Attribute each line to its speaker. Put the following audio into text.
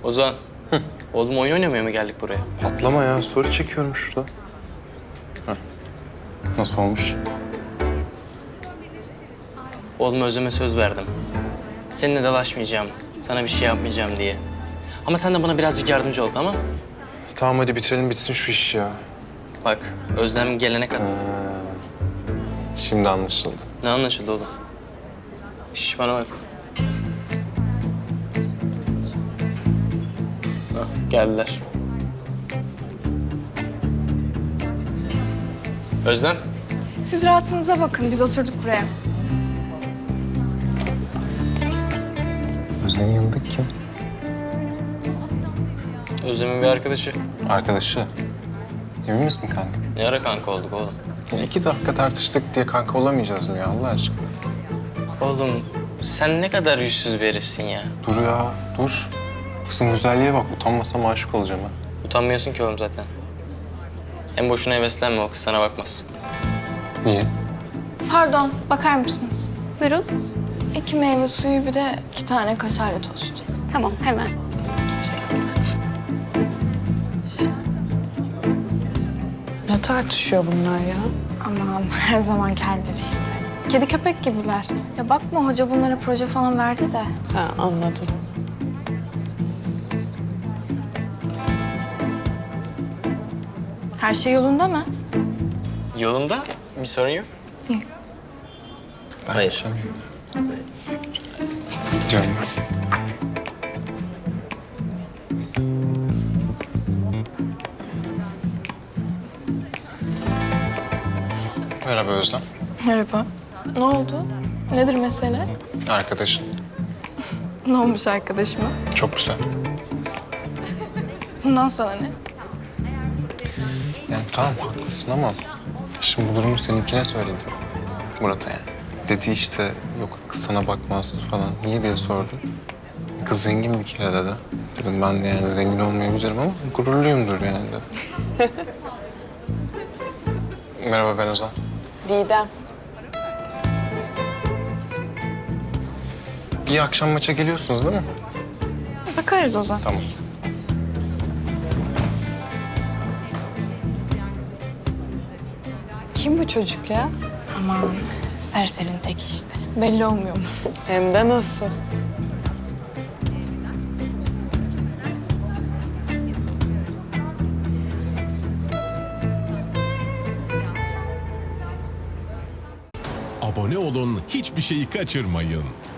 Speaker 1: Ozan. Oğlum oyun oynamaya mı geldik buraya?
Speaker 2: Atlama ya. Story çekiyorum şurada. Heh. Nasıl olmuş?
Speaker 1: Oğlum Özlem'e söz verdim. Seninle dalaşmayacağım, sana bir şey yapmayacağım diye. Ama sen de bana birazcık yardımcı ol, tamam?
Speaker 2: Tamam hadi bitirelim bitsin şu iş ya.
Speaker 1: Bak, Özlem gelene kadar...
Speaker 2: Şimdi anlaşıldı.
Speaker 1: Ne anlaşıldı oğlum? Şş, bana bak. Hah, geldiler. Özlem.
Speaker 3: Siz rahatınıza bakın. Biz oturduk buraya.
Speaker 2: Özlem'in yanındaki kim?
Speaker 1: Özlem'in bir arkadaşı.
Speaker 2: Arkadaşı. Emin misin kanka?
Speaker 1: Ne ara kanka olduk oğlum?
Speaker 2: Ya 2 dakika tartıştık diye kanka olamayacağız mı ya Allah aşkına?
Speaker 1: Oğlum sen ne kadar yüzsüz bir herifsin ya.
Speaker 2: Dur ya dur. Kızın güzelliğe bak utanmasam aşık olacağım ha.
Speaker 1: Utanmıyorsun ki oğlum zaten. En boşuna heveslenme, o kız sana bakmaz.
Speaker 2: Niye?
Speaker 3: Pardon, bakar mısınız? Buyurun. 2 meyve suyu, bir de 2 tane kaşarlı tost.
Speaker 4: Tamam, hemen.
Speaker 5: Ne tartışıyor bunlar ya?
Speaker 3: Aman her zamanki halleri işte. Kedi köpek gibiler. Ya bakma, hoca bunlara proje falan verdi de.
Speaker 5: Ha, anladım.
Speaker 3: Her şey yolunda mı?
Speaker 1: Yolunda bir sorun yok.
Speaker 3: Yok.
Speaker 2: Ben
Speaker 1: Hayır.
Speaker 2: gideceğim. Gidiyorum ben. Merhaba Özlem.
Speaker 3: Merhaba. Ne oldu? Nedir mesele?
Speaker 2: Arkadaşın.
Speaker 3: Ne olmuş arkadaşıma?
Speaker 2: Çok güzel.
Speaker 3: Bundan sana ne?
Speaker 2: Yani tamam haklısın ama şimdi bu durumu seninkine söyledim. Murat'a yani. Dedi işte yok kız sana bakmaz falan. Niye diye sordu. Kız zengin bir kere dedi. Dedim ben de yani zengin olmayabilirim ama gururluyumdur yani de. Merhaba ben Ozan.
Speaker 5: Didem.
Speaker 2: Bir akşam maça geliyorsunuz değil mi?
Speaker 3: Bakarız o zaman.
Speaker 2: Tamam.
Speaker 5: Kim bu çocuk ya?
Speaker 3: Aman serserinin tek işte. Belli olmuyor mu?
Speaker 5: Hem de nasıl?
Speaker 6: Abone olun, hiçbir şeyi kaçırmayın.